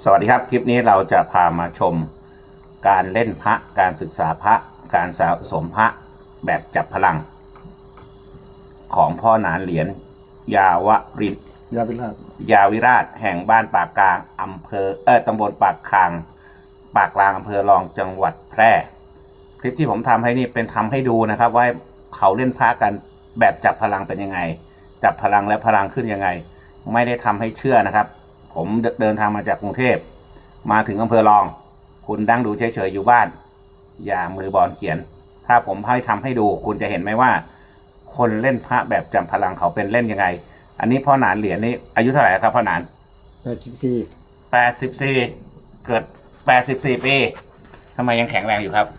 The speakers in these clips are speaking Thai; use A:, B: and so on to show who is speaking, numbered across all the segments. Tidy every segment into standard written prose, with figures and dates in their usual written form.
A: สวัสดีครับคลิปนี้เราจะพามาชมการเล่นพระการศึกษาพระการสะสมพระแบบจับพลังของพ่อหนานเหรียญยาวริน
B: ยาวิราช
A: แห่งบ้านปากกลางอำเภอตำบลปากกลางอำเภอรองจังหวัดแพร่คลิปที่ผมทำให้นี่เป็นทำให้ดูนะครับว่าเขาเล่นพระกันแบบจับพลังเป็นยังไงจับพลังและพลังขึ้นยังไงไม่ได้ทำให้เชื่อนะครับผมเดินทางมาจากกรุงเทพมาถึงอำเภอรองคุณดั้งดูเฉยๆอยู่บ้านอย่ามือบอลเขียนถ้าผมให้ทำให้ดูคุณจะเห็นไหมว่าคนเล่นพระแบบจับพลังเขาเป็นเล่นยังไงอันนี้พ่อหนานเหรียญนี่อายุเท่าไหร่ครับพ่อหนาน84เกิด84ปีทำไมยังแข็งแรงอยู่ครับ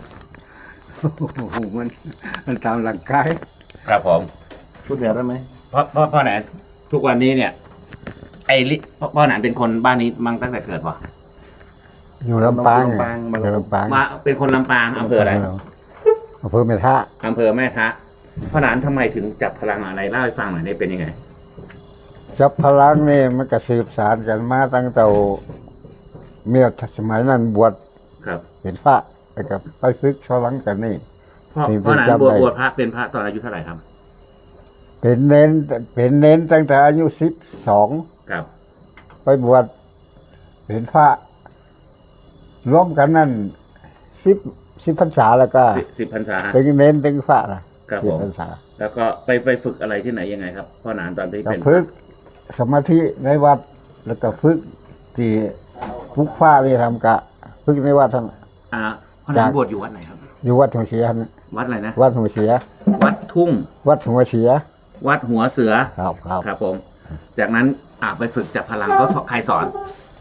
B: มันตามหลักกาย
A: ครับผม
B: พูดแบบได้ไหม
A: พ่อหนานทุกวันนี้เนี่ยพ่อหนานเป็นคนบ้านนี้มั่งตั้งแต่เกิดวะ
B: อยู่ลำปาง
A: มาเป็นคนลำปางอำเภออะไร
B: อำเภอแม่ทะ
A: พ่อหนานทำไมถึงจับพลังอะไรเล่าให้ฟังหน่อยได้เป็นยังไง
B: จับพลังนี่มันก็สืบสานกันมาตั้งแต่เมื่อสมัยนั้นบวช
A: ครับ
B: เป็นพระแล้วก็ไปฝึกชอลังกันนี่
A: พ่อหนานบวชพระเป็นพระตอนอายุเท่าไหร่ครับ
B: เป็นเน้นตั้งแต่อายุ12
A: ครับ
B: ไปบวชเป็นพระร่วมกันนั่น10พรรษาแล้วก็
A: 10พรรษา
B: เป็นเน้นเป็นพระนะครับ
A: 10พรรษาแล้วก็ไปฝึกอะไรที่ไหนยังไงครับพ่อหนานตอนที่เป็น
B: ฝึกสมาธิในวัดแล้วก็ฝึกที่พุกฟ้านี่ทำกะฝึกในวัดทั้ง
A: พ่อหนานบวชอยู่วัดไหนครับ
B: อยู่วัดหัวเสีย
A: วัดอะไรนะ
B: วัดหัวเสีย
A: วัดทุ่ง
B: วัดหัวเสีย
A: วัดหัวเสือ
B: ครับ
A: ผมจากนั้นไปฝึกจับพลังก็ใครสอน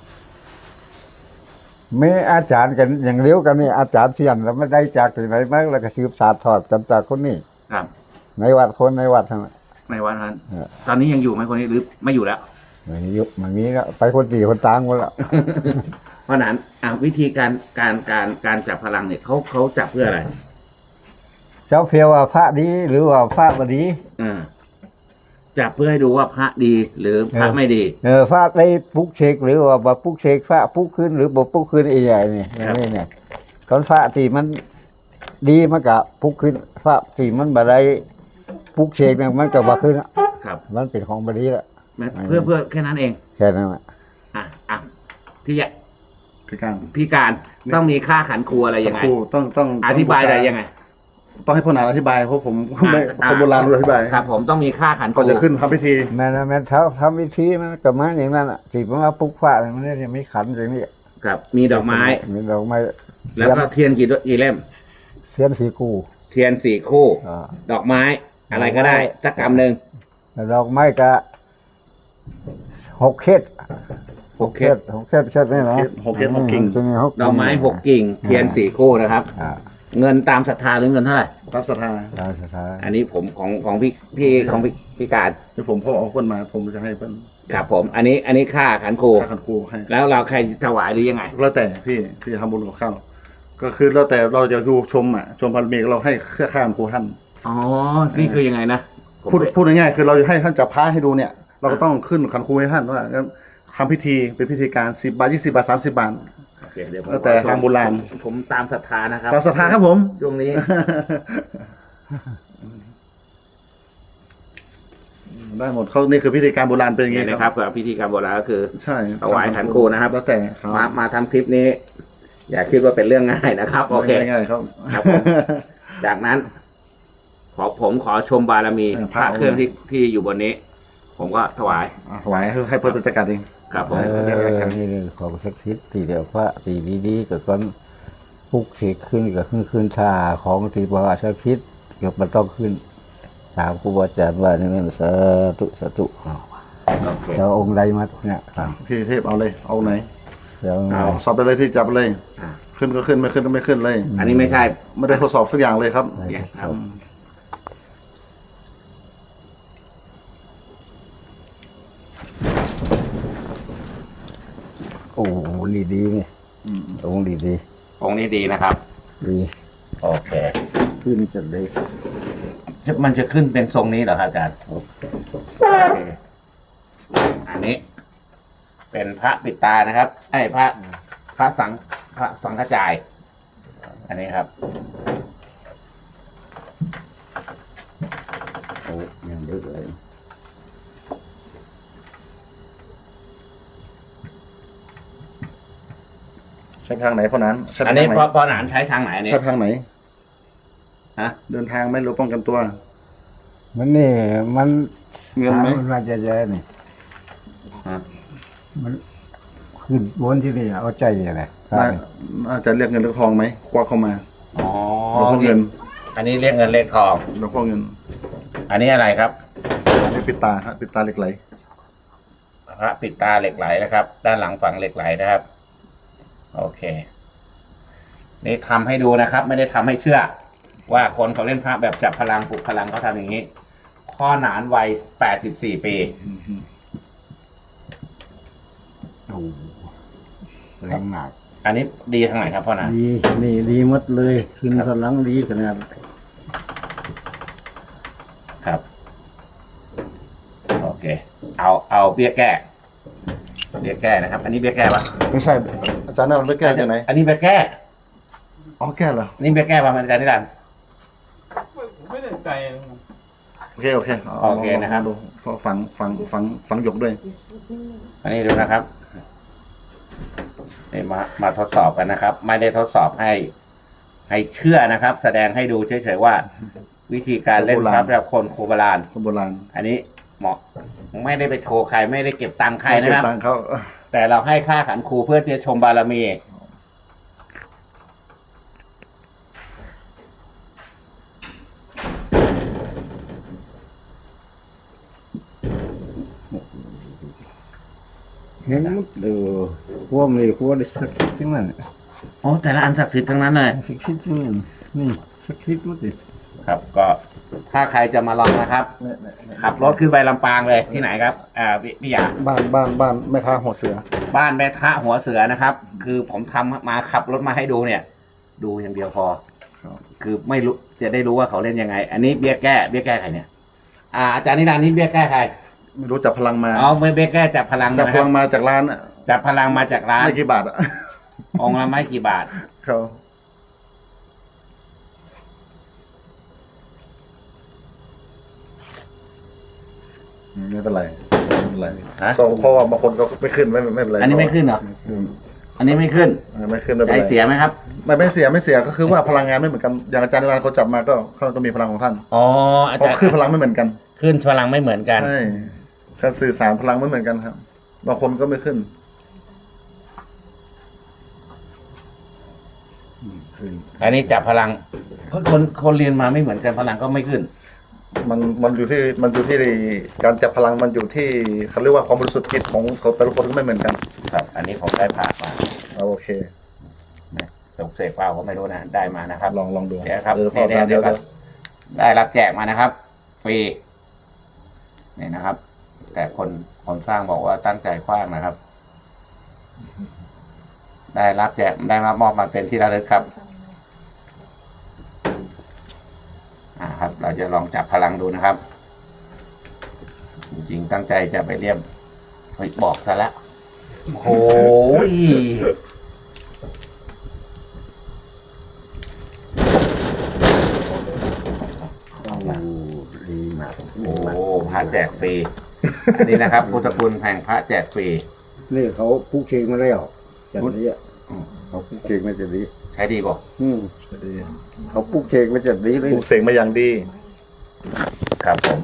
B: ไม่อาจารย์กันอย่างเลี้ยวกันนี่อาจารย์เสียนแล้วไม่ได้จากที่ไหนมาแล้วก็สืบสานทอดกันจากคนนี้
A: ครับ
B: ในวัดในวัดทั้ง
A: ในวัดนั้นตอนนี้ยังอยู่ไหมคนนี้หรือไม่อยู่แล้ว
B: ไม่อยู่มันนี้แล้วไปคนตีคนตางหมดแล้ว
A: เพราะนั้นวิธีการจับพลังเนี่ยเขาจับเพื่ออะไร
B: เจ้าเพียวว่าพระดีหรือว่าพระบดี
A: จับเพื่อให้ดูว่าพระดีหรือพระไม่ดี
B: พระได้ปุกเชกหรือว่าบ่ปุกเชกพระปุกขึ้นหรือบ่ปุกขึ้นใหญ่นี่อย่างนี้เนี่ยตอนพระที่มันดีมันก็ปุกขึ้นพระที่มันบ่ได้ปุกเชกเนี่ยมันก็บ่ขึ้น
A: ครับ
B: มันเป็นของบดีแล้ว
A: เพื่อแค่นั้นเอง
B: แค่นั้นแหละ
A: พี่การต้องมีค่าขันครูอะไรยังไง
B: ต้อง
A: อธิบายอะไรยังไง
B: ต้องให้พ่อหนานอธิบายเพราะผมไม่คนโบราณรู้อธิบาย
A: ครับผมต้องมีค่าขันครู
B: ก่อนจะขึ้นทำพิธีแม่ทำพิธีมันกับมาอย่างนั้นอ่ะที่ผมว่าปุ๊กฟ้ามันเนี่ยไม่ขันอย่างนี้
A: ครับมีดอกไม้แล้วก็เทียนกี่เล่ม
B: เทียน4
A: คู่ดอกไม้อะไรก็ได้สักกำหนึ่ง
B: ดอกไม้ก็6 เคสนี่นะ6 กิ่ง
A: ดอกไม้6 กิ่งเทียน4 คู่นะครับเงินตามศรัทธาหรือเงินเท่าไหร่
B: ตามศรัทธา
A: อันนี้ผมของพี่การ
B: ที่ผมพ่อเอาคนมาผมจะให้เพิ่น
A: ครับผมอันนี้ค่าขันครู
B: ให้
A: แล้วเราใครถวายหรือยังไง
B: แล้วแต่พี่ทำบุญกับข้าวก็คือแล้วแต่เราจะดูชมพระเมฆเราให้เครือข้ามครูท่าน
A: นี่คือยังไงนะ
B: พูดง่ายๆคือเราจะให้ท่านจับพระให้ดูเนี่ยเราก็ต้องขึ้นขันครูให้ท่านว่าทำพิธีเป็นพิธีการ10 บาท20 บาท30 บาทแล้วแต่ทางโบราณ
A: ผมตามศรัทธานะครับ
B: ตามศรัทธาครับผม
A: ช่วงนี้
B: ได้หมดเขานี่คือพิธีการโบราณเป็นอย่างนี้
A: นะครับพิธีการโบราณก็คือ
B: ใช่
A: ถวายขันครูนะครับ
B: แล้วแต่
A: มาทำคลิปนี้อย่าคิดว่าเป็นเรื่องง่ายนะครับโอเค
B: ง่ายครับ
A: จากนั้นผมขอชมบารมีพระเครื่องที่อยู่บนนี้ผมก็ถวาย
B: ให้เพื่อนจัดการเอง
A: ครับผม
B: นี่ของสักทิศตีเดียวพระตีดีๆกับก้อนปุกเสกขึ้นกับขึ้นชาของตีบวชสักทิศกับมันต้องขึ้นถามครูบาอาจารย์ว่านี่มันสาธุเราองค์ใดมาเนี่ยพี่เทพเอาเลยเอาไหนเอาสอบไปเลยพี่จับไปเลยขึ้นก็ขึ้นไม่ขึ้นก็ไม่ขึ้นเลย
A: อันนี้ไม่ใช่
B: ไม่ได้ทดสอบสักอย่างเลยครับโอ้ดีนี่องค์ดี
A: องค์นี้ดีนะครับ
B: ดี
A: โอเค
B: ขึ้นจะได้
A: มันจะขึ้นเป็นทรงนี้เหรอครับอาจารย์โอเคอันนี้เป็นพระปิดตานะครับไอ้พระสังฆจาย อันนี้ครับ
B: โอ้ยังเยอะเลย
C: ใช้ทางไหนพ่อนั้นใช้
A: อั
C: ทาน ง
A: นี้
C: ไหน
A: พอหนานใช้ทางไหนอันนี้
C: ใช้ทางไหน
A: ฮะ
C: เดินทางไหม่รู้ป้องกันตัว
B: มันนี่มัน
C: เงินไหม
B: มันมาจะเยอะนี่
A: ฮะ
B: มันขึ้นบนที่นี่เอาใจอะไร
C: น่าจะเรียกเงินเรียกทองไหมควักเข้ามา
A: อ๋อ
C: หลวงพ่อเงิน
A: อันนี้เรียกเงินเรียกทอง
C: หลวงพ่อเงิน
A: อันนี้อะไรครับ
C: อันนี้ปิดตาฮะปิดตาเหล็กไหล
A: พระปิดตาเหล็กไหลนะครับ ด้านหลังฝังเหล็กไหลนะครับ โอเค นี่ทำให้ดูนะครับ ไม่ได้ทำให้เชื่อ ว่าคนเขาเล่นพระแบบจับพลังปลุกพลังเขาทำอย่างนี้ ข้อหนานวัย84 ปี
B: โอ้แรงหนัก
A: อันนี้ดีทางไหนครับพ่อหนาน
B: ดีนี่ดีหมดเลยขึ้นพลังดีขนาด
A: ครับ โอเค เอาเบี้ยแก้นะครับ อันนี้เบี้ยแก้ปะ
C: ไม่ใช่ อาจารย์นั่นมันไม่แก้จากไหน
A: อันนี้เบี้ยแก้
C: อ๋อแก้เหรอ
A: อันนี้เบี้ยแก้ปะอาจารย์นิรันดร์
D: ผมไม่ได้ใจ
C: โอเคโอเคา
A: โอเคนะครับ
C: ลองดูเพราะฝังหยกด้วย
A: อันนี้ดูนะครับนี่มาทดสอบกันนะครับ ไม่ได้ทดสอบให้เชื่อนะครับ แสดงให้ดูเฉยๆว่า วิธีการเล่นพระแบบคนโบราณ
C: คนโบราณ
A: อันนี้เหมาะไม่ได้ไปโทรใครไม่ได้เก็บตังค์ใครนะครับ
C: เก็ตังค์เขา
A: แต่เราให้ค่าขันครูเพื่อที่จะชมบารมี
B: เห็นหมดดูพวกนี้พวกนี้สักทิศทั้งนั้น
A: โอ้แต่ละอันศักดิ์สิทธิ์ทั้งนั้นเลย
B: สักทิศทั้งนั้นนี่สักทิศหมดเลย
A: ครับ ก็ถ้าใครจะมาลองนะครับ ขับรถขึ้นไปลำปางเลยที่ไหนครับพี่หยา
C: บ้านแม่ท่าหัวเสือ
A: บ้านแม่ทะหัวเสือนะครับ คือผมทำมาขับรถมาให้ดูเนี่ย ดูอย่างเดียวพอ
C: ครับ
A: คือไม่รู้จะได้รู้ว่าเขาเล่นยังไง อันนี้เบี้ยแก้ใครเนี่ยอาจารย์นิรันดร์นี่เบี้ยแก้ใคร
C: ไม่รู้จับพลังมา
A: อ๋อเบี้ยแก้จับพลัง
C: จับ
A: นะ
C: พ
A: ครั
C: ลั
A: บ
C: งมาจากร้านอะ
A: จับพลังมาจากร้าน
C: ไม่กี่บาทอะ
A: องค์ละไม่กี่บาท
C: เขาไม่เป็นไรไม่เป็นไร
A: ฮะ
C: ก็เพราะว่าบางคนก็ไม่ขึ้นไม่เป็นไร
A: อันนี้ไม่ขึ้นเหรอ อันนี้ไม่ขึ้น
C: ไม่ขึ้นไม่เป็น
A: ใจ
C: ไร
A: เสียไหมครับ
C: ไม่เสียก็คือว่าพลังงานไม่เหมือนกันอย่างอาจารย์นิรันดร์เขาจับมาก็เขาก็มีพลังของท่าน
A: อ๋ออา
C: เพ
A: จาร
C: ราะ
A: ย์
C: ขึ้นพลังไม่เหมือนกัน
A: ขึ้นพลังไม่เหมือนกัน
C: ใช่การสื่อสารพลังไม่เหมือนกันครับบางคนก็ไม่ขึ้น
A: อันนี้จับพลังคนเรียนมาไม่เหมือนกันพลังก็ไม่ขึ้น
C: มันอยู่ที่การจับพลังมันอยู่ที่เขาเรียกว่าความบริสุทธิ์จิตของแต่ละคนก็ไม่เหมือนกัน
A: ครับ อันนี้ผมได้ผ่ามา
C: เอาโอเค
A: ตกเสกเปล่าก็ไม่รู้นะได้มานะครับ
C: ลองดู
A: เดี๋ยวครับ
C: พอ
A: เดี๋ยว
C: เดี๋ยว
A: ได้รับแจกมานะครับฟรีนี่นะครับ แต่คนสร้างบอกว่าตั้งใจคว้างนะครับ ได้รับแจกได้รับมอบมาเป็นที่ระลึกครับครับ เราจะลองจับพลังดูนะครับ จริงๆตั้งใจจะไปเรียบเฮ้ยบอกซะแล้วโอ้ย
B: โอ้ดีมาก
A: โอ้พระแจกฟรี อันนี้นะครับพุทธคุณแห่งพระแจกฟรี
B: นี่เขาผูกเชงมาแล้วจัดนี้อ่ะ
A: อืม
B: เขาผูกเชงมาจัดนี้
A: ใช้ดีบอก
C: ดี
B: เขาผูกเชงมาจัดนี้เลย
C: ปลูกเสกมาอย่างดี
A: ครับผม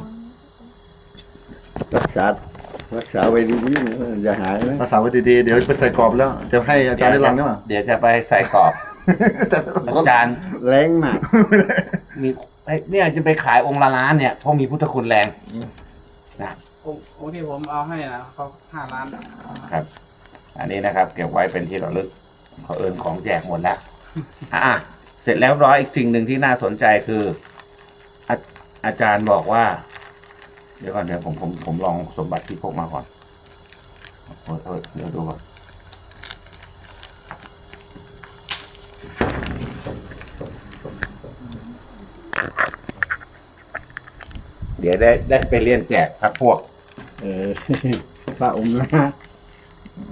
B: รักษาไว้ดีๆนะอย่าหายนะ
C: ภาษาไว้ดีๆเดี๋ยวไปใส่กรอบแล้วจะให้อาจารย์ได้รังนี่หว่า
A: เดี๋ยวจะไปใส่กรอบ อาจารย์
B: แรงมาก
A: มีเนี่ยจะไปขายองค์ละล้านเนี่ยเพราะมีพุทธคุณแรงนะ
D: โอเคผมเอาให้นะเขา5 ล้าน
A: ครับ อันนี้นะครับ เก็บไว้เป็นที่ระลึกเขาเอินของแจกหมดแล้วเสร็จแล้วร้อยอีกสิ่งหนึ่งที่น่าสนใจคืออาจารย์บอกว่า เดี๋ยวก่อนเดี๋ยวผมลองสมบัติที่พกมาก่อนเดี๋ยวดูก่อนเดี๋ยวได้ไปเรียนแจกพักพวก
B: พระองค์นะ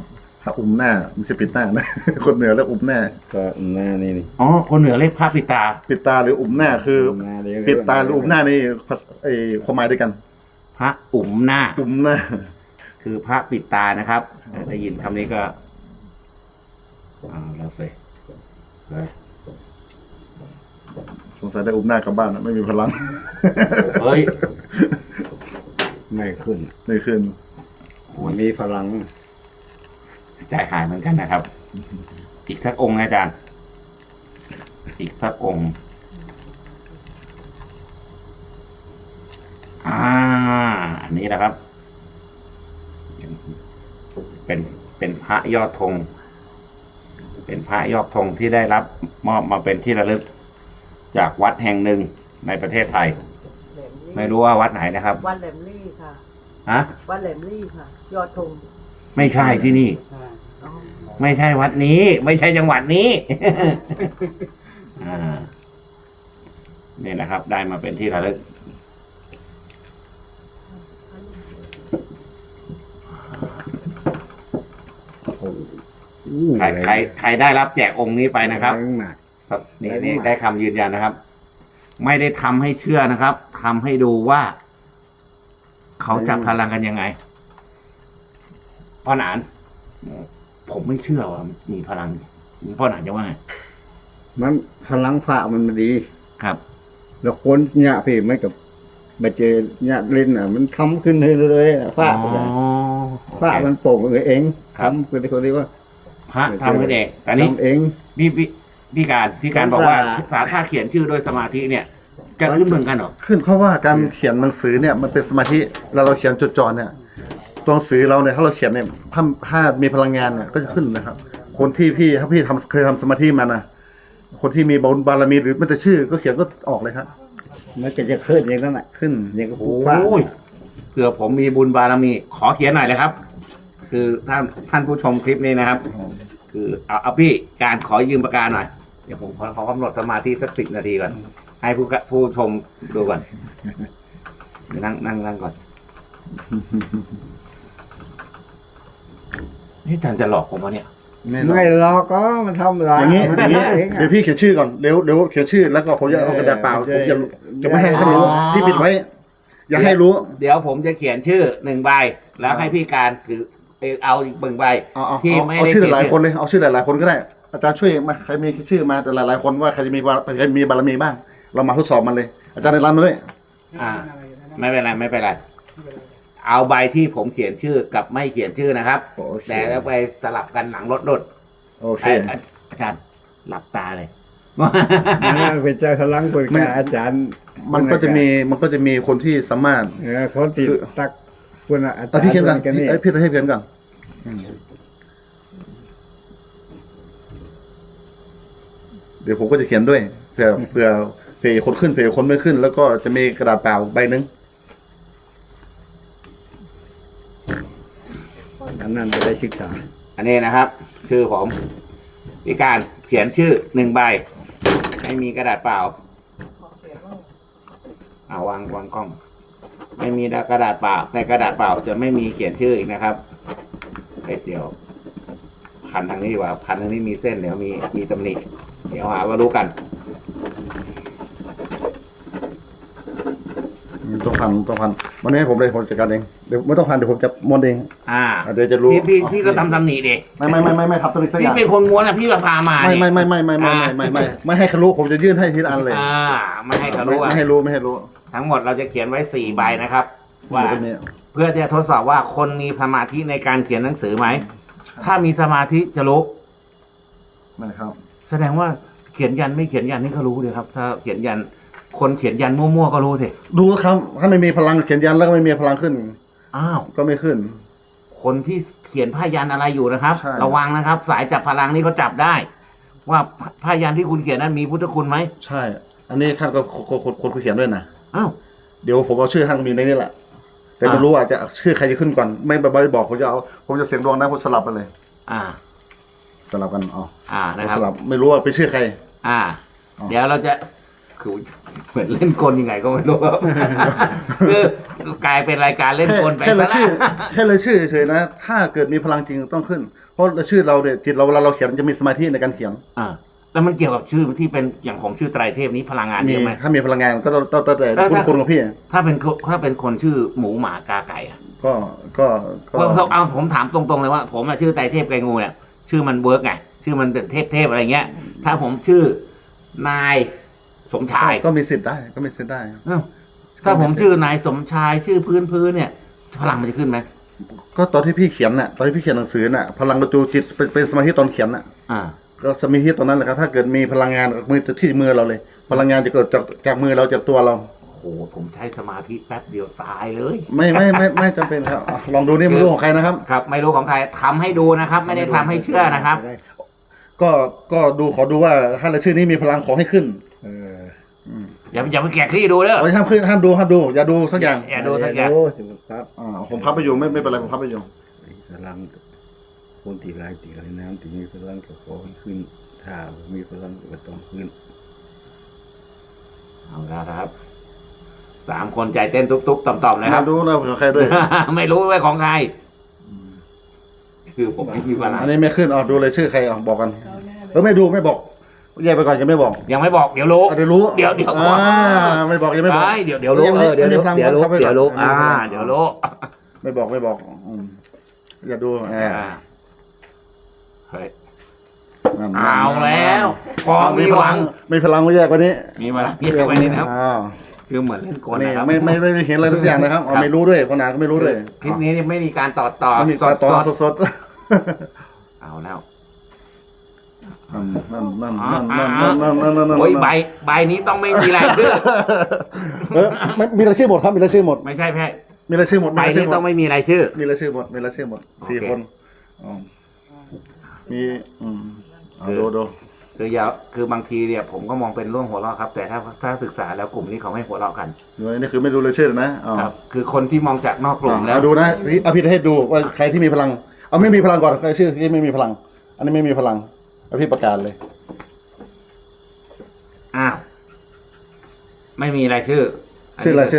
C: ระอุ้มหน้าไม่ใช่ปิดหน้านะ คนเหนือเรียกอุ้มหน้า
B: ก็หน้านี่นี่
A: อ๋อคนเหนือเรียกพระปิดตา
C: ปิดตาหรืออุ้มหน้าคือ
B: หน้าเรียก
C: ปิดตาหรืออุ้มหน้านี่ภาษาความหมายด้วยกัน
A: พระอุ๋มหน้า
C: อุ้มหน้า
A: คือพระปิดตานะครับได้ยินคำนี้ก็แล้วสิ
C: สงสัยได้อุ้มหน้ากลับบ้านนะไม่มีพลัง
A: เฮ้ย
B: ไม่ขึ้น
C: ไม่ขึ้น
B: มันมีพลัง
A: ใจหายเหมือนกันนะครับ อีกสักองค์นะอาจารย์ อีกสักองค์ อันนี้นะครับ เป็นพระยอดธง เป็นพระยอดธงที่ได้รับมอบมาเป็นที่ระลึก จากวัดแห่งหนึ่งในประเทศไทย ไม่รู้ว่าวัดไหนนะครับ
E: วัดแหลมลี่ค่ะ
A: ฮะ
E: วัดแหลมลี่ค่ะ ยอดธง
A: ไม่ใช่ที่นี่
D: ใช่
E: อ๋อ
A: ไม่ใช่วัดนี้ ไม่ใช่จังหวัดนี้ นี่นะครับ ได้มาเป็นที่ระลึก ใครได้รับแจกองค์นี้ไปนะครับ
B: หนัก
A: นี่ได้คำยืนยันนะครับ ไม่ได้ทำให้เชื่อนะครับทำให้ดูว่า เขาจับพลังกันยังไงพ่อหนาน ผมไม่เชื่อว่ามีพลังพ่อหนานจะว่าไง
B: มันพลังพระมันดี
A: ครับ
B: แล้วคนเนี่ยพี่ไม่กับมาเจอเนี่ยเล่นอ่ะ มันทำขึ้นเลยๆพระ
A: อ๋อ
B: พระมันโป่งเอง
A: ครับ
B: ทำเป็นคนเรียกว่า
A: พระทำขึ้นเองแต่นี้
B: ทำเอง
A: พี่การบอกว่าถ้าเขียนชื่อด้วยสมาธิเนี่ย จะขึ้นเหมือนกันเหรอ
C: ขึ้นเพราะว่าการเขียนหนังสือเนี่ยมันเป็นสมาธิแล้วเราเขียนจดจ่อเนี่ยตัวหนังสือเราเนี่ยถ้าเราเขียนเนี่ยถ้ามีพลังงานเนี่ยก็จะขึ้นนะครับ คนที่ถ้าพี่เคยทำสมาธิมานะคนที่มีบุญบารมีหรือมันจะชื่อก็เขียนก็ออกเลยครับ
B: มันก็จะขึ้นอย่างนั้นแหละ
C: ขึ้น
B: อย่างกับ
A: โอ้
B: พระ
A: ยเผื่อผมมีบุญบารมี ขอเขียนหน่อยเลยครับ คือท่านผู้ชมคลิปนี้นะครับ คือเอาพี่การขอยืมปากกาหน่อย เดี๋ยวผมขอกำหนดสมาธิสัก10 นาทีก่อน ให้ผู้ชมดูก่อนนั่งก่อนนี่อาจารย์จะหลอกผมวะเนี่ย
B: ไม่หรอกก็มันทำไร
C: อย่างนี้
B: มัน
C: อย่างนี้
B: ทำเอง
C: เดี๋ยวพี่เขียนชื่อก่อนเดี๋ยวเขียนชื่อแล้วก็ผมจะเอากระดาษเปล่าผมจะไม่ให้เขารู้
A: อ๋อ
C: พี่ปิดไว้ อย่าให้รู้
A: เดี๋ยวผมจะเขียนชื่อ1 ใบ แล้วให้พี่การถือเอาอีก1 ใบ
C: เอา
A: ที่ไม่
C: เอา
A: ได้
C: ชื่อ
A: เขียน
C: หลายๆคนเลยเอาชื่อหลายๆคนก็ได้ อาจารย์ช่วยมาใครมีชื่อมาแต่หลายๆคนว่าใครจะมีบารมีบ้าง เรามาทดสอบมันเลย อาจารย์ในร้านมาด้วย
A: อ่า ไม่เป็นไร เอาใบที่ผมเขียนชื่อกับไม่เขียนชื่อนะครับ
C: โอเค
A: แต่แล้วไปสลับกันหลังรถดด
C: โอเค
A: อาจารย์หลับตาเลย
B: นะเป็นเจ้าพลังคนกับอาจารย์
C: มันก็จะมีคนที่สามารถ
B: คนที่ตักคนอาจารย์
C: พี่เขียนก่อน
B: นี่
C: พี่จะให้เขียนก่อนเดี๋ยวผมก็จะเขียนด้วยเผื่อคนขึ้นเผื่อคนไม่ขึ้น แล้วก็จะมีกระดาษเปล่าใบหนึ่ง
B: อันนั้นจะได้ศึกษา
A: อันนี้นะครับ ชื่อผมพี่การเขียนชื่อ1 ใบ ไม่มีกระดาษเปล่า วางกล้อง ไม่มีกระดาษเปล่าในกระดาษเปล่าจะไม่มีเขียนชื่ออีกนะครับเดี๋ยวพันทางนี้ดีกว่าพันทางนี้มีเส้นเดี๋ยวมีตำหนิเดี๋ยวหาว่ารู้กัน
C: ต้องพันวันนี้ผมเลยผมจัดการเองเดี๋ยวไม่ต้องพันเดี๋ยวผมจะม้วนเอง เดี๋ยวจะรู้
A: พี่ก็ทำตำหนิดิ
C: ไม่ทับตัวนี้สักอ
A: พี่
C: ย่าง
A: เป็นคนม้วนอะพี่พามา
C: ไม่
A: เนี่ย
C: ไม่ให้เขารู้ผมจะยื่นให้ทีละอันเลย
A: ไม่ให้เขารู้อะ
C: ไม่ให้รู้
A: ทั้งหมดเราจะเขียนไว้4 ใบนะครับ ว่า
C: ตรงนี้
A: เพื่อจะทดสอบว่าคนมีสมาธิในการเขียนหนังสือไหม ถ้ามีสมาธิจะรู้
C: นะครับ
A: แสดงว่าเขียนยันไม่เขียนยันนี่ก็รู้เลยครับ ถ้าเขียนยันคนเขียนยันมั่วๆก็รู้สิ
C: ดูครับถ้าไม่มีพลังเขียนยันแล้วก็ไม่มีพลังขึ้น
A: อ้าว
C: ก็ไม่ขึ้น
A: คนที่เขียนผ้ายันอะไรอยู่นะครับ
C: ใช่
A: ระวังนะครับ สายจับพลังนี่เขาจับได้ ว่าผ้ายันที่คุณเขียนนั้นมีพุทธคุณไหม
C: ใช่ อันนี้ท่านก็คนเขียนด้วยนะ
A: อ้าว
C: เดี๋ยวผมเอาชื่อท่านมีในนี้แหละ แต่ไม่รู้ว่าจะชื่อใครจะขึ้นก่อน ไม่บอกผมจะเสียงดวงนะผมสลับกันเลย
A: อ่า
C: สลับกันอ๋อ
A: นะครับ
C: สลับไม่รู้ว่าเป็นชื่อใคร
A: อ่า
C: อ๋อ
A: เดี๋ยวเราจะคือเหมือนเล่นกลยังไงก็ไม่รู้ ครับคือกลายเป็นรายการเล่นกลไป
C: แค่
A: ซะ
C: เลยชื่อ
A: แล้ว
C: แค่เลยชื่อเฉยๆนะ ถ้าเกิดมีพลังจริงต้องขึ้น ผเพราะชื่อเราเนี่ยจิตเราเวลาเราเขียนจะมีสมาธิในการเขียน
A: แล้วมันเกี่ยวกับชื่อที่เป็นอย่างผมชื่อไตรเทพนี้พลังงาน
C: มี
A: เยอะไหม
C: ถ้ามีพลังงานก็ต้องแต่
A: แล้ว
C: คุณของพี่
A: ถ้าเป็นคนชื่อหมูหมากาไก่อะ
C: ก็
A: เอาผมถามตรงๆเลยว่า ผมอะชื่อไตรเทพไกรงูเนี่ยชื่อมันเวิร์กไงชื่อมันเป็นเทพอะไรเงี้ย ถ้าผมชื่อนายสมชาย
C: ก็มีสิทธิ์ได้ก็มีสิทธิ์ได้
A: เอ้าถ้าผมชื่อนายสมชายชื่อพื้นเนี่ยพลังมันจะขึ้นไหม
C: ก็ตอนที่พี่เขียนน่ะตอนที่พี่เขียนหนังสือน่ะพลังประจูจิตเป็นสมาธิตอนเขียนน่ะ
A: อ่า
C: ก็สมาธิตอนนั้นแหละครับถ้าเกิดมีพลังงานมือที่มือเราเลย พลังงานจะเกิดจากมือเราจากตัวเรา
A: โอ้โหผมใช้สมาธิแป๊บเดียวตายเลย
C: ไม่จำเป็นครับลองดูนี่ไม่รู้ของใครนะครับ
A: ครับ ไม่รู้ของใครทำให้ดูนะครับ ไม่ได้ทำให้เชื่อนะครับ
C: ก็ดูขอดูว่าถ้าเราชื่อนี้มีพลังขอให้ขึ้น
A: อย่าไปแกะคลี่ดูเด้อ
C: ห้ามขึ้นห้ามดูอย่าดูสักอย่าง
A: อย่าดูสักอย่าง
B: ครับ
C: ผมพับไปอยู่ไม่เป็นไรผมพับไปอยู่
B: พลังคนตีลายตีลายน้ำตีมีพลังก็ขอให้ขึ้น ถ้ามีพลังก็ต้องขึ้น
A: เอาละครับ3 คนใจเต้นตุ๊บๆต่อมๆเลยค
C: ห้า
A: รั
C: ม
A: บ
C: ดูนะของใครด้วย
A: ไม่รู้ว่าของใครคือผมไม่มีพลัง
C: อันนี้ไม่ขึ้นดูเลยชื่อใครบอกกันไม่ดูไม่บอกแยกไปก่อนยังไม่บอก
A: ยังไม่บอกเดี๋ยวรู้
C: เดี๋ยวรู้
A: เดี๋ยวก่อน
C: ไม่บอกยังไม่บอก
A: เดี๋ยวรู้เดี๋ยวรู้เดี๋ยวรู้เดี๋ยวรู้เดี๋ยวรู้
C: ไม่บอกอย่าดู
A: เฮ้ยเอาแล้วกอง
C: มี
A: มี
C: พ
A: ห
C: ลั
A: วั
C: ง
A: ง
C: มีพลังแยกกว่านี้
A: มีพลังพี่ไปนี่นะครับ คือเหมือนเล่นกล
C: นี่
A: นะครับ
C: ไม่ได้เห็นอะไรสักอย่างนะครับไม่รู้ด้วยคนอ่านก็ไม่รู้ด้วย
A: คลิปนี้ไม่มีการต่อ
C: ไม่มีการต่อสด
A: เอาแล้ว
C: นั่น
A: โอ้ยใบนี้ต้องไม่มีรายชื่อ
C: มีรายชื่อหมดครับมีรายชื่อหมด
A: ไม่ใช่แพ่
C: มีรายชื่อหมด
A: ใบนี้ต้องไม่มีรายชื่อ
C: มีรายชื่อหมดมีรายชื่อหมด4 คนมีดู
A: คือบางทีเนี่ยผมก็มองเป็นเรื่องหัวเราะครับ แต่ถ้าศึกษาแล้วกลุ่มนี้เขาไม่หัวเราะกัน
C: นี่คือไม่ดูรายชื่อนะ
A: ครับ คือคนที่มองจากนอกกลุ่มแล้ว
C: ดูนะพี่ให้ดูว่าใครที่มีพลังเอาไม่มีพลังก่อนใครชื่อที่ไม่มีพลัง อันนี้ไม่มีพลังพี่ประกาศเลย
A: อ้าวไม่มีรายชื่อ
C: ชื่ออะไร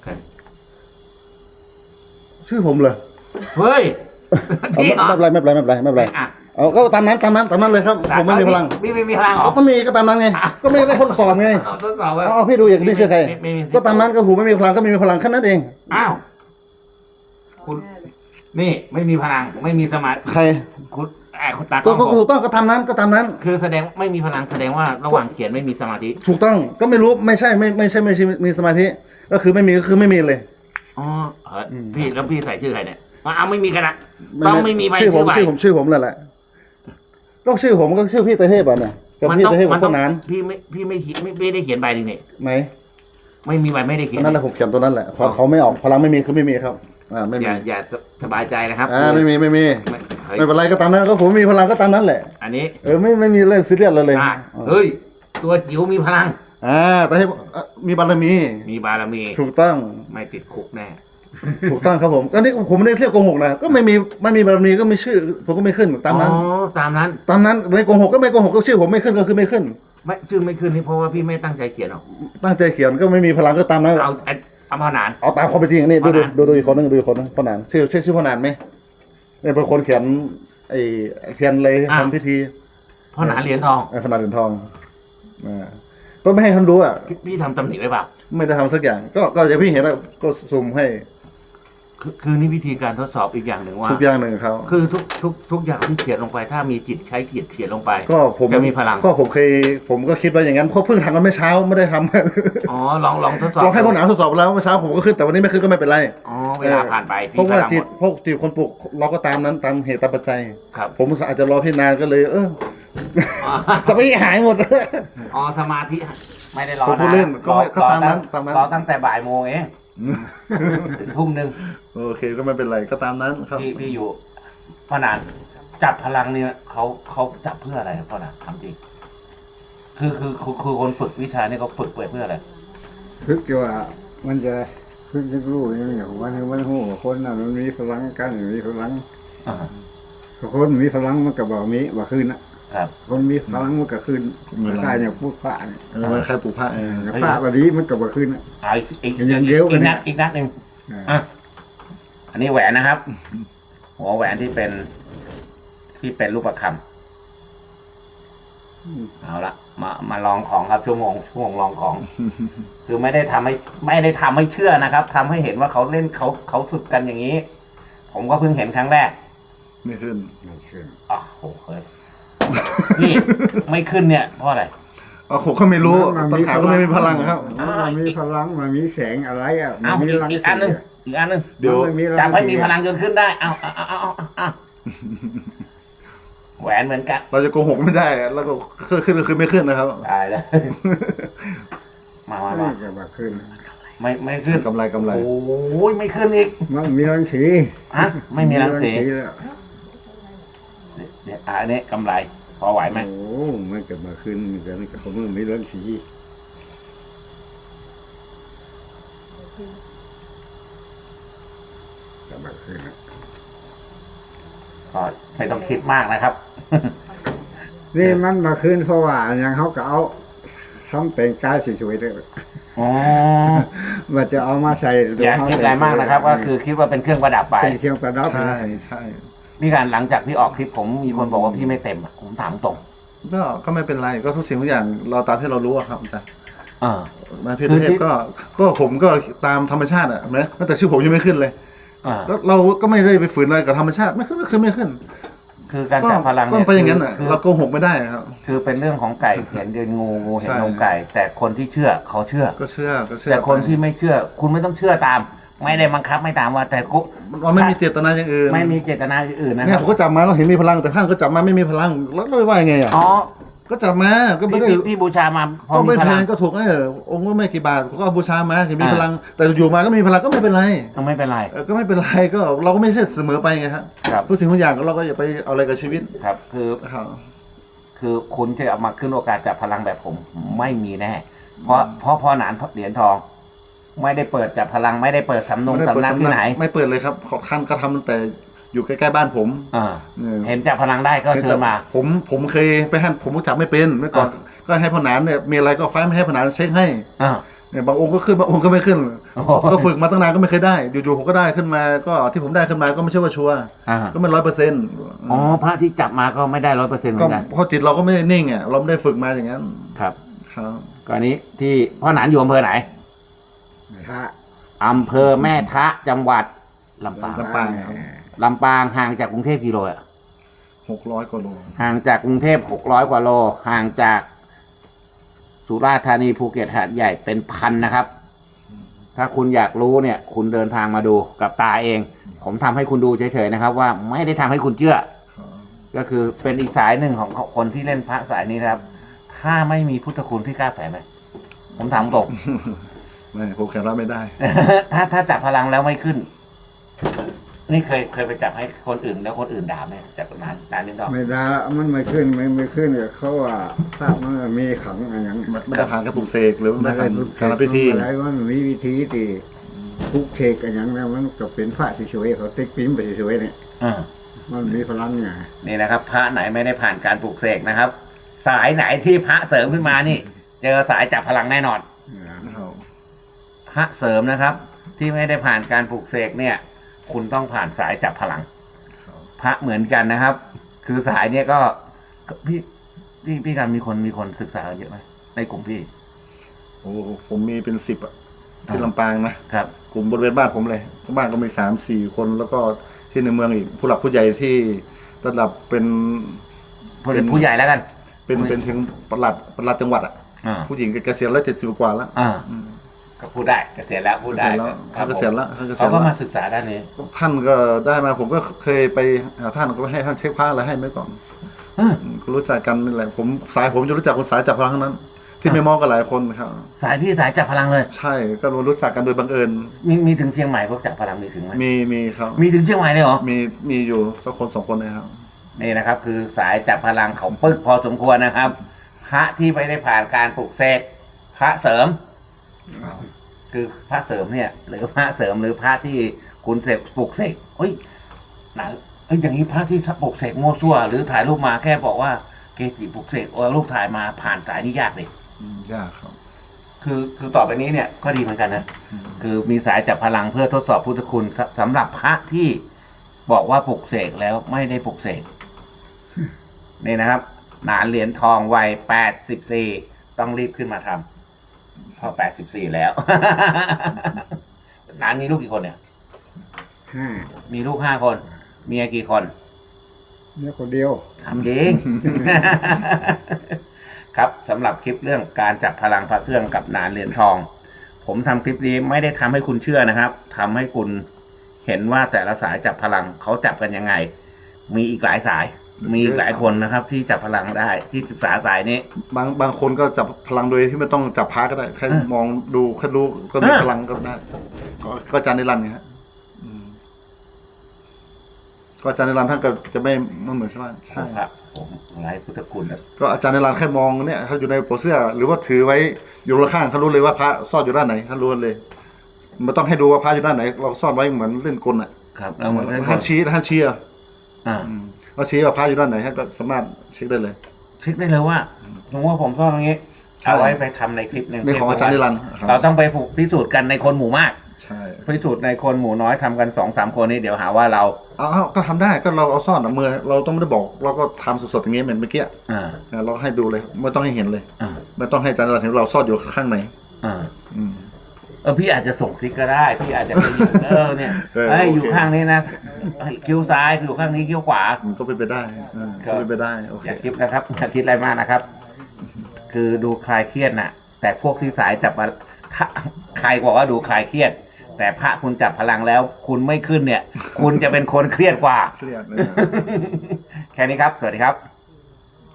C: ชื่อผมเลย
A: เฮ้ย
C: ไม่เป็นไร
A: อ่ะ
C: เอาก็ตามนั้นเลยครับผมไม่มีพลัง
A: พี่ไม่มีพลังเหรอ
C: ก็มีก็ตามนั้นไงก็ไม่ได้คนสอบไง
A: เอาทดสอบไว้
C: เอาพี่ดูอย่างนี้ชื่อใคร
A: ไม่มี
C: ก็ตามนั้นก็ผมไม่มีพลังก็มีพลังแค่นั้นเอง
A: อ้าวคุณนี่ไม่มีพลังไม่มีสมาธิ
C: ใคร
A: คุณตา
C: ก็ถูกต้องก็ตามนั้น
A: คือแสดงไม่มีพลังแสดงว่าระหว่างเขียนไม่มีสมาธิ
C: ถูกต้องก็ไม่รู้ไม่ใช่มีสมาธิก็คือไม่มีก็คือไม่มีเลย
A: อ๋อพี่แล้วพี่ใส่ชื่อใครเนี่ยเอาไม่มีกันละต้องไม่มีใบ
C: ชื่อผม
A: ใบ
C: ชื่อผมนั่นแหละก็ชื่อผมก็ชื่อพี่เตเทพอ่ะเนี่ยกับพี่เตเทพกับต้นนาน
A: พี่ไม่ได้เขียนใบหนึ่งนี่
C: ไหน
A: ไม่มีใบไม่ได้เขียน
C: นั่นแหละผมเขียนตัวนั้นแหละเขาไม่ออกพลังไม่มีคือไม่มีครับไม่มี
A: อย่าสบายใจนะครับ
C: ไม่มีไม่เป็นไรก็ตามนั้นก็ผมมีพลังก็ตามนั้นแหละ
A: อันนี้
C: ไม่มีเรื่องซีเรียสเลย
A: เฮ้ยตัวจิ๋วมีพลัง
C: แต่ให้มีบารมี
A: มีบารมี
C: ถูกต้อง
A: ไม่ติดคุกแน่
C: ถูกต้องครับผมก็นี่ผมไม่ได้เรียกโกหกนะก็ไม่มีบารมีก็ไม่ชื่อผมก็ไม่ขึ้นตามนั้น
A: อ๋อตามนั้น
C: ไม่โกหกก็ไม่โกหกก็ชื่อผมไม่ขึ้นก็คือไม่ขึ้น
A: ไม่ชื่อไม่ขึ้นนี่เพราะว่าพี่ไม่ตั้งใจเขียนหรอก
C: ตั้งใจเขียนก็ไม่มีพลังก็ตามนั้น
A: เอาพนาน
C: เอาตามความเป็นจริงนี่ดูอีกคนนึงพ่อหนานชื่อพ่อหนานไหมเนี่ยเป็นคนเขียนเขียนเลยทำพิธี
A: พ่อหนานเหรียญทอง
C: พ่อหนานเหรียญทองก็ไม่ให้ท่านรู้อ่ะ
A: พี่ทำตำหนิไว้เปล่า
C: ไม่ได้ทำสักอย่างก็อย่างพี่เห็นแล้วก็สุ่มให้
A: คือนี่วิธีการทดสอบอีกอย่างหนึ่งว่า
C: ทุกอย่างหนึ่งเขา
A: คือทุกอย่างที่เขียนลงไป ถ้ามีจิตใช้จิตเขียนลงไป
C: ก็ผม
A: จะมีพลัง
C: ก็ผมก็คิดว่าอย่างนั้นเพราะเพิ่งทำกันเมื่อเช้าไม่ได้ทำ
A: อ๋อลองทดสอบ
C: ลองให้พ่อหนานทดสอบแล้วเมื่อเช้าผมก็ขึ้นแต่วันนี้ไม่ขึ้นก็ไม่เป็นไร
A: อ๋อเวลาผ่านไป
C: เพราะว่าจิต
A: พ
C: พวกจิตคนปลุกเราก็ตามนั้นตามเหตุตามปัจจัย
A: ครับ
C: ผมอาจจะรอพี่นานก็เลยสมาธิหายหมด
A: อ๋อสมาธิไม่ได้รอ
C: ผมพูดเล่นก็ตามนั้น
A: รอตั้งแต่บ่ายโมงเองถึงทุ่มหนึ่ง
C: โอเคก็ไม่เป็นไรก็ตามนั้นครับ
A: พี่อยู่พ่อนานจับพลังเนี่ยเขาจับเพื่ออะไรครับพ่อนานถามจริงคือคนฝึกวิชาเนี่ยเขาฝึกไปเพื่ออะไร
B: พึกว่ามันจะพึกจะรู้อย่างนี้มันหูคนน่ะมันมีพลังกันมีพลังคนมีพลังมันก็บอกมีว่าคืนนะครับ คนมีพลังมันก็คืนกายอย่างพูดพระเนี่ย
C: มันใครปลูกผ้า
B: พระวันนี้มันก็บอกคืน
A: อีก
B: ยังเยอะ
A: อีกนัด
B: นะ
A: อีกนัดหนึ่งอันนี้แหวนนะครับ หัวแหวนที่เป็นที่เป็นรูปคำเอาละมาลองของครับชั่วโมงลองของ คือไม่ได้ทำให้เชื่อนะครับทำให้เห็นว่าเขาเล่นเขาฝึกกันอย่างนี้ ผมก็เพิ่งเห็นครั้งแรก
C: ไม่ขึ้น
A: อ๋อโหเฮ้ยนี่ไม่ขึ้นเนี่ยเพราะอะไร
C: ผมก็ไม่รู้ปัญหาก็ไม่มีพลังครับ
B: มันมีพลังมันมีแสงอะไรอ่ะ
A: เอา
B: มี
A: อีกอันหนึง
C: เดี๋ยว
A: จับให้มีพลังจนขึ้นได้เอาแหวนเหมือนกัน
C: เราจะโกหกไม่ได้แล้วก็ขึ้นก็คือไม่ขึ้นนะครับ
A: ตายแล้วมา
B: นี่ก็มาขึ้น
A: ไม่ขึ้น
C: กำไร
A: โอ้ยไม่ขึ้นอีก
B: มันมีรังสี
A: ฮะไม่มีรังสี
B: แล้ว
A: เดี๋ยวอันนี้กำไรพอไหวไหม
B: โอ้มันก็มาขึ้นกันเขาไม่มีรังสีก็มาขึ้น
A: ก็ไม่ต้องคิดมากนะครับ
B: นี่มันมาขึ้นเพราะว่าอย่างเขาก็เอาทำเป็นกายสวยๆเลย
A: อ๋อ
B: มันจะเอามาใส่
A: อย่าคิดอะไรมากนะครับ ก็คือคิดว่าเป็นเครื่องประดับไป
B: เป็นเครื่องประดับ
C: ใช่
A: พี่การหลังจากพี่ออกคลิปผมมีคนบอกว่าพี่ไม่เต็มอะผมถามตรง
C: ก็ไม่เป็นไรก็ทุกสิ่งทุกอย่างเราตามที่เรารู้อะครับอาจารย์
A: เออ
C: มาพี่เทพก็ผมก็ตามธรรมชาติอ่ะนะแต่ชื่อผมยังไม่ขึ้นเลย
A: อ่า
C: แล้วเราก็ไม่ได้ไปฝืนอะไรกับธรรมชาติไม่ขึ้นก็คือไม่ขึ้น
A: คือการจับพลัง
C: ก็
A: เนี่ย
C: ไปอย่างนั้นอ่ะ
A: คือ
C: เราโกหกไม่ได้ครับ
A: คือเป็นเรื่องของไก่เห็นเดินงูเห็น
C: ใช่
A: นมไก่ แต่คนที่เชื่อเขาเชื่อ
C: ก็เชื่อ
A: แต่คนที่ไม่เชื่อ คุณไม่ต้องเชื่อตาม ไม่ได้บังคับไม่ตามว่า แต่กู
C: เราไม่มีเจตนาอย่างอื่น
A: ไม่มีเจตนาอื่นนะค
C: เนี่ย
A: รับ
C: ผมก็จับมาเราเห็นมีพลังแต่ท่านก็จับมาไม่มีพลังแล้วเราว่ายังไงอ่ะ
A: อ๋อ
C: ก็จับมาก็ไม่ได้
A: พี่บูชามาพอ
C: ก็
A: มี
C: ไม่
A: พ
C: แพ
A: ลัง
C: งก็ถูกองค์ก็ไม่กี่บาทก็เอาบูชามาเห็นมี
A: อ่า
C: พลัง แต่อยู่มาก็ไม่มีพลังก็ไม่เป็นไร
A: ก็ไม่เป็นไร
C: ก็ไม่เป็นไรก็เราก็ไม่ใช่เสมอไปไงครับ
A: ครับ
C: ทุกสิ่งทุกอย่างเราก็อย่าไปเอาอะไรกับชีวิต
A: ครับ
C: ครับ
A: คือคุณจะเอามาขึ้นโอกาสจับพลังแบบผมไม่มีแน่ เพราะพอหนานเหรียญทอง ไม่ได้เปิดจับพลังไม่ได้เปิดสำนักที่ไหน
C: ไม่เปิดเลยครับขอท่านก็ทำตั้งแต่อยู่ใกล้ๆบ้านผม
A: อ่า
C: เออ
A: เห็นจับพลังได้ก็เชิญมา
C: ผมเคยไปให้ผมก็จับไม่เป็นเมื่อก่อนก็ให้พ่อหนานเนี่ยมีอะไรก็คว้าไม่ให้พ่อหนานเช็คให้
A: อ่า
C: เนี่ยบางองค์ก็ขึ้นบางองค์ก็ไม่ขึ้น
A: โอ้โห
C: ก็ฝึกมาตั้งนานก็ไม่เคยได้อยู่ๆผมก็ได้ขึ้นมาก็ที่ผมได้ขึ้นมาก็ไม่ใช่ว่าชัวร์
A: อ่า
C: ก็ไม่100%
A: อ๋อพระที่จับมาก็ไม่ได้100%เหมื
C: ก็
A: อนกัน
C: เพราะจิตเราก็ไม่ได้นิ่งอ่ะเราไม่ได้ฝึกมาอย่างนั้น
A: ครับ
C: ครับ
A: กรณีที่พ่อหนานอยู่อำเภอไหน
B: พระ
A: อำเภอแม่ทะจังหวัดลำปาง
C: ลำปางครับ
A: ลำปางห่างจากกรุงเทพกี่โลอะ
C: 600 กว่าโล
A: ห่างจากกรุงเทพ600 กว่าโล ห่างจากสุราษฎร์ธานีภูเก็ตหาดใหญ่เป็นพันนะครับ ถ้าคุณอยากรู้เนี่ย คุณเดินทางมาดูกับตาเอง ผมทำให้คุณดูเฉยๆนะครับ ว่าไม่ได้ทำให้คุณเชื่อ ก็คือเป็นอีกสายหนึ่งของคนที่เล่นพระสายนี้นะครับ ถ้าไม่มีพุทธคุณพี่กล้าแฝงไหมผมถามตรง
C: ไม่ผมแข็งรับไม่ได้
A: ถ้าจับพลังแล้วไม่ขึ้น นี่เคยไปจับให้คนอื่นแล้วคนอื่นด่าไหมจากนานนิดหน่อย
B: ไม่ได้มันไม่ขึ้นไม่ขึ้นกับเขาว่าพระมันมีขังอะไรอย่าง
C: ไม่ได้ผ่านการปลุกเสกหรือไม่ได้ผ่านการทำพิธี
B: อะไรว่ามันมีวิธีที่พุกเทกอะไรอย่างนั้นมันก็เป็นพระเฉยๆเขาติ๊กปิ้มไปเฉยๆเนี่ย
A: อ่า
B: มันมีพลังไง
A: นี่นะครับ พระไหนไม่ได้ผ่านการปลูกเสกนะครับ สายไหนที่พระเสริมขึ้นมานี่ เจอสายจับพลังแน่นอน
C: ครับ
A: พระเสริมนะครับ ที่ไม่ได้ผ่านการปลูกเสกเนี่ย คุณต้องผ่านสายจับพลัง พระเหมือนกันนะครับ คือสายเนี่ยก็พี่การมีคนศึกษาเยอะไหมในกลุ่มพี่
C: โอ้ผมมีเป็น10อ่ะที่ลำปางนะครับ กลุ่มบริเวณบ้านผมเลยบ้านก็มี3-4 คนแล้วก็ที่ในเมืองอีกผู้หลักผู้ใหญ่ที่ระดับเป็น
A: ผู้ใหญ่แล้วกัน
C: เป็นถึงประหลัดจังหวัดอ่ะ
A: อ่า
C: ผู้หญิงเกษียณแล้ว70 กว่าแล้ว
A: อ่าก็พูดได้เกษียณแล้วพูดได้
C: เขาเกษียณแล้วเขาเกษียณแล้ว
A: เขาก็มาศึกษาด้านนี้
C: ท่านก็ได้มาผมก็เคยไปหาท่านก็ให้ท่านเช็คผ้าอะไรให้ไว้ก่อน
A: อืม
C: ก็รู้จักกันนี่แหละสายผมจะรู้จักคนสายจับพลังทั้งนั้น ที่ไม่มองกันหลายคนครับ
A: สายพี่สายจับพลังเลย
C: ใช่ก็รู้จักกันโดยบังเอิญ
A: มีถึงเชียงใหม่พวกจับพลังมีถึงไหม
C: มีครับ
A: มีถึงเชียงใหม่เลยเหรอ
C: มีอยู่สักคน2 คนนะครับ
A: นี่นะครับ คือสายจับพลังเขาปึ๊กพอสมควรนะครับ พระที่ไม่ได้ผ่านการปลูกเสกพระเสริม คือพระเสริมเนี่ย หรือพระเสริมหรือพระที่คุณเสกปลูกเสกเฮ้ยหนังอย่างนี้พระที่ปลูกเสกโมวซั่วหรือถ่ายรูปมาแค่บอกว่าเกจิปลูกเสกเอารูปถ่ายมาผ่านสายนี่ยากเลย
C: ยากครับ
A: คือต่อไปนี้เนี่ยก็ดีเหมือนกันนะคือมีสายจับพลังเพื่อทดสอบพุทธคุณสำหรับพระที่บอกว่าปลุกเสกแล้วไม่ได้ปลุกเสกนี่นะครับหนานเหรียญทองวัย84ต้องรีบขึ้นมาทำเพราะ84แล้ว หนานมีลูกกี่คนเนี่ย
B: 5
A: มีลูก5 คน เมียกี่คน
B: เนี่ยคนเดียว
A: ถามจริง ครับสำหรับคลิปเรื่องการจับพลังพระเครื่องกับหนานเหรียญทอง ผมทำคลิปนี้ไม่ได้ทำให้คุณเชื่อนะครับทำให้คุณเห็นว่าแต่ละสายจับพลังเขาจับกันยังไง มีอีกหลายสาย มีอีกหลายคนนะครับ ที่จับพลังได้ที่ศึกษาสายนี้
C: บางคนก็จับพลังโดยที่ไม่ต้องจับพระก็ได้แค่มองดูแค่รู้ก็มีพลังก็ได้ก็อาจารย์นิรันดร์ไงฮะก็อาจารย์นิรันดร์ท่านก็จะไม่เหมือนใช่ไหมใช่
A: ครับผมไร้พุทธคุณนะ
C: ก็อาจารย์นิรันดร์แค่มองเนี่ยเขาอยู่ในโปรเสื้อ หรือว่าถือไว้อยู่ข้างเขารู้เลยว่าพระซ่อนอยู่ด้านไหนเขารู้เลยไม่ต้องให้ดูว่าพระอยู่ด้านไหน เราซ่อนไว้เหมือนเล่นกลอ่ะ
A: ครับแล้วเหมือนกัน
C: ท่านชี้อ่ะ
A: อ่า
C: เราชี้ว่าพระอยู่ด้านไหนท่านก็สามารถเช็คได้เลย
A: เช็คได้เลยว่าสมมติว่าผมซ่อนตรงนี้
C: ใช่
A: เอาไว้ไปทำในคลิปหนึ่ง
C: ในของอาจารย์นิรันดร์ครับ
A: เราต้องไปพิสูจน์กันในคนหมู่มาก
C: ใช่
A: พิสูจน์ในคนหมู่น้อยทำกัน2-3 คนนี่เดี๋ยวหาว่าเรา
C: เอาก็ทำได้ก็เราเอาซ่อนมือเราต้องไม่ได้บอกเราก็ทำสดๆอย่างนี้เหมือนเมื่อกี้
A: อ่า
C: เราให้ดูเลยไม่ต้องให้เห็นเลย
A: อ่า
C: ไม่ต้องให้อาจารย์นิรันดร์เห็นเราซ่อนอยู่ข้างใน
A: อ่า
C: อืม
A: พี่อาจจะส่งซิกก็ได้ พี่อาจจะไปอยู่เนี่ย
C: เออ
A: เอ้ย
C: โอเค
A: อยู่ข้างนี้นะคิ้วซ้ายอยู่ข้างนี้คิ้วขวา
C: มันก็เป็นไปได้ก็เป็นไปได้โอเค
A: อย่าคิดนะครับอย่าคิดอะไรมากนะครับ คือดูคลายเครียดน่ะ แต่พวกที่สายจับมาถ้าใครบอกว่าดูคลายเครียด แต่พระคุณจับพลังแล้ว คุณไม่ขึ้นเนี่ย คุณจะเป็นคนเครียดกว่า
C: เครียดเลย
A: แค่นี้ครับ สวัสดีครับ